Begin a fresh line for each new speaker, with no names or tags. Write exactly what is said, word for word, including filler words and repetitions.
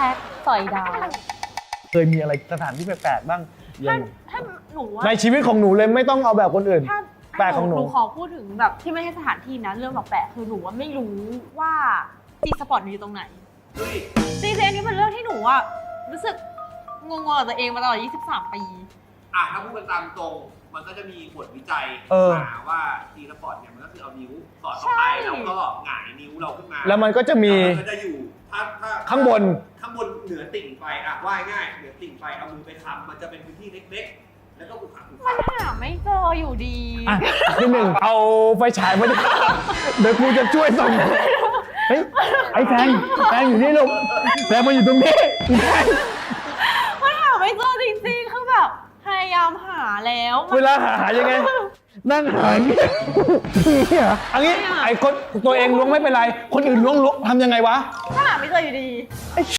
พ็คสอยดาว
เคยมีอะไรสถานที่แปลกๆบ้างอ
ถ้า
ย่าง
ถ้าหนูว่า
ในชีวิตของหนูเลยไม่ต้องเอาแบบคนอื่น
ถ้า
แปลกของหนู
หนูขอพูดถึงแบบที่ไม่ใช่สถานที่นะเรื่องแบบแปลกคือหนูว่าไม่รู้ว่าจีสปอร์ตอยู่ตรงไหน
เฮ้ย
จริงๆอันนี้เป็นเรื่องที่หนูอะรู้สึกงงๆกับตัวเองมาตลอดยี่สิบสามปี
อ่ะถ้าพูดกันตามตรง มันก็จะมีบทวิจัย
เออ
มาว่าทีสปอร์ตเนี่ยมันก็คือเอานิ้วสอดเข้าไป
ใช่
แล้วก็หงายนิ้วเราขึ้นมา
แล้วมันก็จะมี
แล้วมันก็จะอยู่ถ้าถ้า
ข้างบน
ข้างบนเหนือติ่งไฟอ่ะว่ายง่ายเหนือติ่งไฟเอามือไปค้ำมันจะเป็นพื้นที่เล็กๆ แล้วก็บุกขังบุก
มั
ขั
น
ง
หาไม่เจออยู่ดี
อ่ะที่หนึ่งเอาไฟฉายมาดิเดี๋ยวกูจะช่วยส่องเฮ้ยไอ้แฟงแฟงอยู่นี่ลูกแฟงมาอยู่ตรงนี้แฟง
มันหาไม่เจอจริงๆคือแบบพยายามหาแล้วมัน
เวลาหาหายังไง นั่งหาอย่างเงี้ยเนี่ยอันนี้ไอ้คนตัวเองล้วงไม่เป็นไร คนอื่นล้วงล้วงทำยังไงวะ
ก็หาไม่เจออยู่ดี